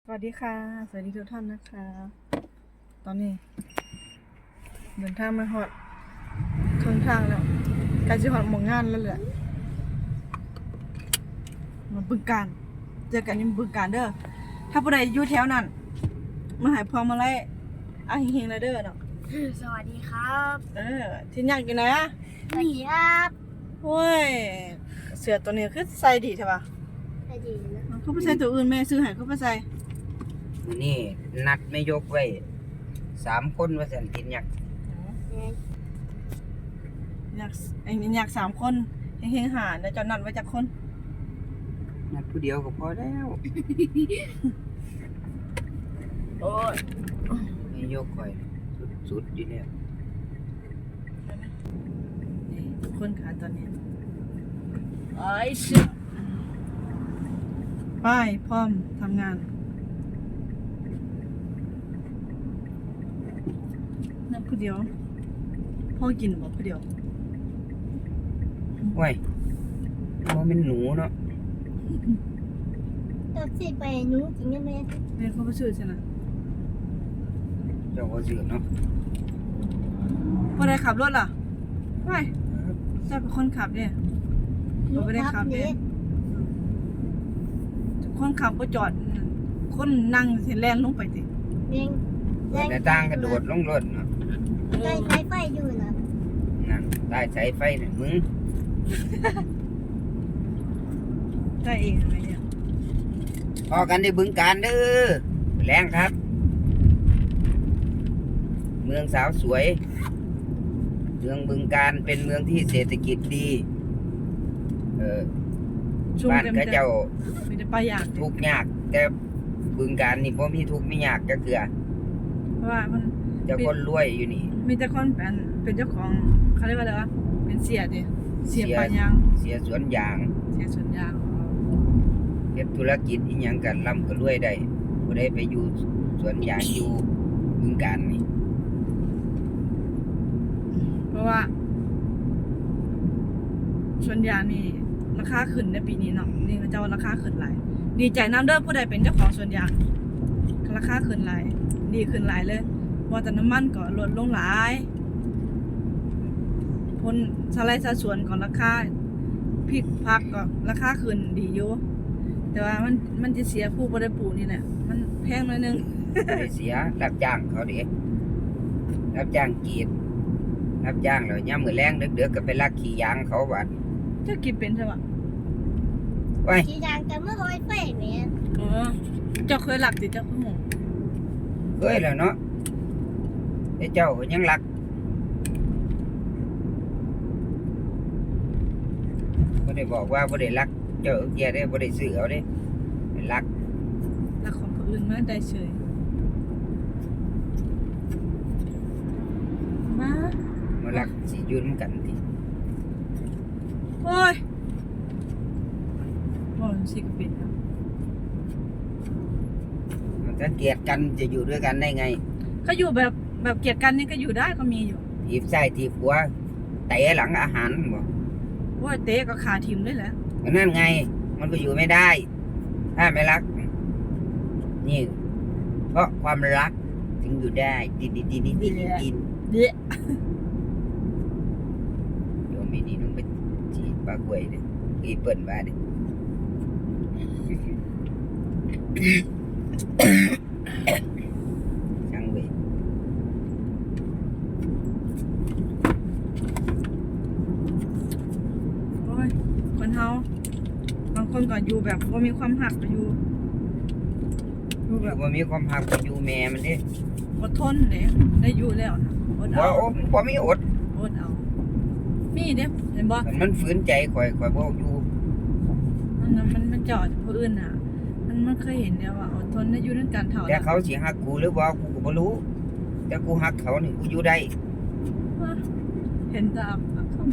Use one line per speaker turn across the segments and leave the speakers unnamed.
สวัสดีค่ะสวัสดีทุกท่านนะคะตอนนี้เดินทางมาฮอดครึ่งทางแล้วใกล้จะฮอดหมู่งานแล้วแหละมาบึงการเจอกันที่บึงการเด้อถ้าผู้ใดอยู่แถวนั้นมาหาพวงมาลัยเฮงๆเลยเด้อเนาะ
สวัสดีครับ
ที่ยากอยู่นะ
สวัสดีครับ
โอ้ยเสือตัวนี้คือใส่ดีใช่ปะ
สวัสดีนะ
เขาไปใส่ตัวอื่นแม่ซื้อให้เขาไปใส่
มื้อนี่นัดไม่ยกไว้3 คนว่าสันตินอยาก
อยาก3 คนเฮงๆหาแล้วจะนัดไว้จักคน
นัดผู้เดียวก็พอแล้ว
โอ้ย
ไม่ยกค่อยสุดๆอยู่แล้ว
ทุกคนค่ะตอนนี้ไอ้ชิบไปพร้อมทำงานนั่นผู้เดียวพ่อกินบอกผู้เดียว
โอ้ยบ่แม่นหนูเนาะ
ตัวสิไปหนูจริงไหม
เรียนเขาไปซื้อใช่ไหม
เจ้าก็ซื้อเนาะ
พอได้ขับรถล่ะไม่ใช่เป็นคนขับเนี่ยเราไม่ได้ขับเนี่ยคนขับก็จอดคนนั่งเสียแรงลงไปสิ
เร่ง
เปิดหน้าต่างกระโดดลงรถเนาะ
ใกล้ไฟอยู่นะ
นั่นใต้สายไฟน่ะมึง
ได้เองอะไรเนี่ย
พอกันได้บึงการเด้อแรงครับ เมืองสาวสวย เมืองบึงการเป็นเมืองที่เศรษฐกิจดี
ชุ่ม
บ้าน
เต็ม
เขาเจ้า
มีแต่ปลาอยาก
ทุกข์ยากแต่บึงการนี่บ่มีทุกข์มียากจักเทื่อ
เพราะว่ามัน
เจ้าคนรวยอยู่นี่
มีแต่คนเป็นเจ้าของเขาเรียกว่าอะไรวะเป็นเสียดิเสียปลายาง
เสียสวนยาง
เสียสวนยาง
เฮ็ดธุรกิจอีหยังกันร่ำก็รวยได้บ่ได้ไปอยู่สวนยางอยู่บึงการนี่
เพราะว่าสวนยางนี่ราคาขึ้นในปีนี้เนาะนี่เขาเจ้าราคาขึ้นหลายดีใจน้ำเด้อผู้ใดเป็นเจ้าของสวนยางราคาขึ้นหลายดีขึ้นหลายเลยว่าแต่น้ำมันก็ลดลงหลายผลสไลด์สัดส่วนของราคาพริกผักก็ราคาขึ้นดีอยู่แต่ว่ามันจะเสียผู้บ่ได้ปลูกนี่แหละมันแพงหน่อยนึง
บ่ได้เสียรับจ้างเขาเด้รับจ้างกรีดรับจ้างแล้วยามมื้อแลงดึกๆก็ไปลักขี้ยางเขาบัด
เจ้ากินเป็นใช่ปะ
ไว้
สีดังกันเมื่อร้อยไฟแม่
อ๋อเจ้าเคยหลักติเจ้าคือหง
เคยแล้วเนาะแต่เจ้าก็ยังรักบ่ได้บอกว่าบ่ได้รักเจ้าแกได้บ่ได้ซื้อเอาเด้รัก
หลักของคนอื่นมาได้เฉยมา
มารักสิอยู่นำกันติ
โอ้ยบอลสิกเป็นครับ
มันถ้าเกลียดกันจะอยู่ด้วยกันได้ไง
ก็อยู่แบบเกลียดกันนี่ก็อยู่ได้ก็มีอยู่
ถีบซ้ายถีบขวาเตะหลังอาหารบ่
ว่าเตะก็ขาทิมเลยแหละ
ก็นั่นไง มันก็อยู่ไม่ได้ ถ้าไม่รัก นี่ เพราะความรักถึงอยู่ได้ดิน
เดะ
โยมไม่ดีต้องไปจีบปลากล้วยเด้อีเปิ่นมาเด้ช่างเว้ย
โอ้ยคนเฮาบางคนก็อยู่แบบว่ามีความหักก็อยู่แบ
แบบ บว่ามีความหักกับอยู่แม่มันเด้
อดทนเลยได้อยู่แล้วนะอด
บ่
เอา
บ่มีอด
อดเอามีเด้เห็นบ่
มันฝืนใจข่อยบ่อยู่
มันจอดผู้อื่นน่ะ มันเคยเห็นแล้วว่าอดทนได้อยู่ด้วยกันเท่า
แต่เขาสิฮักกูหรือบ่กูก็บ่รู้ แต่กูฮักเขานี่กูอยู่ได้
เห็นตามเขา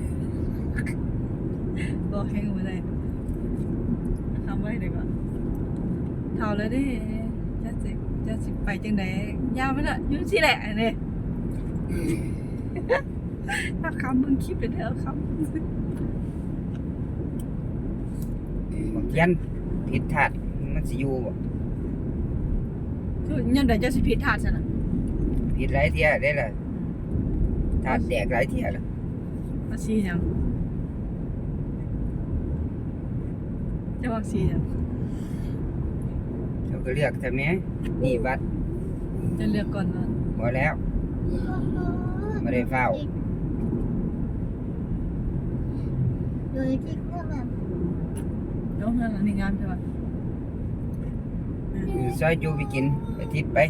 บอกแห้งไว้ได้ทำไว้เดี๋ยวก่อนเท่าเลยดิจะสิไปจังไดยาวไปละยุ่งสิแหละเนี่ยถ้าคำมึงคิดไปเถอะคำ
บางยันผิดพลาดมันสิอยู่บ่
ยังได้เจ้าสิผิดทาดซะน่ะ
ผิดหลายเที่ยได้ล่ะถาดแตกหลายเที่ยล่ะ
ว่าสีหยังจะว่าสีหยัง
เราก็เลือกทำไมนี่วัด
จะเลือกก่อนว่า
พอแล้วไม่ได้เฝ้า
โดยที่พวกมัน
เนาะนั่นล่ะนี่งามใช่ป่ะ
ซอยจูไปกินอาทิตย์ไป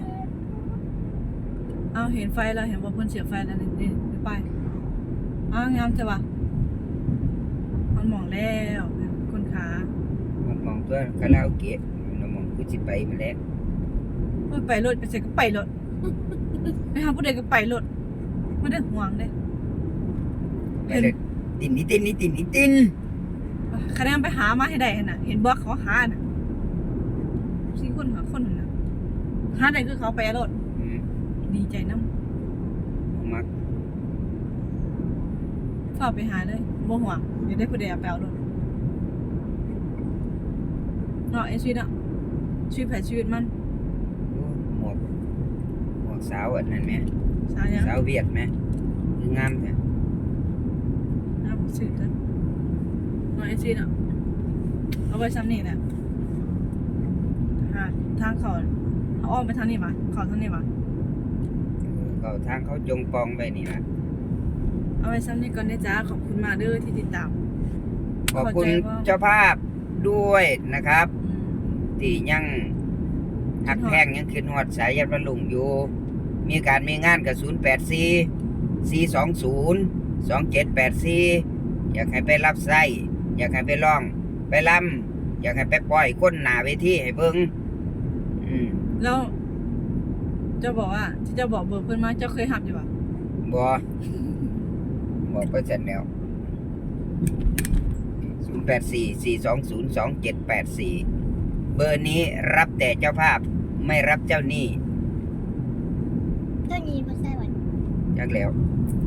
เอาเห็นไฟแล้วเห็นว่าเพิ่นเสียบไฟแล้วนี่ไปงามใช่ป่ะมันมองแล้วคนขา
มันมองตัวคาราโอเกะมันมองกูสิไปมาแล้ว
ไปรถไปใส่ก็ไปรถไปหาผู้ใดก็ไปรถไม่ได้ห่วงเด้
ไปเลยตินนี่ตินนี่ตินนี่ติน
คะแนนไปหามาให้ได้หั่นน่ะเห็นบ่เขาหาน่ะสี่คนหาคนนั่นน่ะหาได้คือเขาไปรถ
อืม
ดีใจนำ
มัก
ฝากไปหาเลยบ่ห่วงเดี๋ยวได้ผู้ใดเอาไปเอารถเนาะไอ้ชีวิตอ่ะชีวิตไผชีวิตมัน
ดูหมวกสาวอันนั้นไหม
สาวยัง
สาวเวียดไหมคืองามแท้
น่าสื่อเด้อเนาะไอ้ชีวิตอ่ะเอาไว้ซ้ำนี่แหละหาทางเขาเอาอ้อมไปทางนี้มาเขาทางนี้มา
เขาทางเขาจงปองไปนี่นะ
เอาไว้ซ้ำนี้ก่อนนะจ๊ะขอบคุณมากเด้อที่ติดตาม
ขอบคุณ
เข้าใจว่า
เจ้าภาพด้วยนะครับ ที่ยังหักแพงยังขึ้นหอดสายยันวันลุงอยู่ มีการมีงานกับ084 420 2784 อยากให้ไปรับไส้อยากให้ไปร้อง ไปลำอยากให้ไปปล่อยก้นหนาเวทีให้เบิ่งอืม
แล้วเจ้าบอกว่าที่เจ้าบอกเบอร์เพื่อนมาเจ้าเคยหับอยู่ป่ะ
บ่บอกไปเสร็จแล้ว084 420 2784 เบอร์นี้รับแต่เจ้าภาพไม่รับเจ้าหนี้
เจ้าหนี้มาใส่วัน
จักแล้ว
เ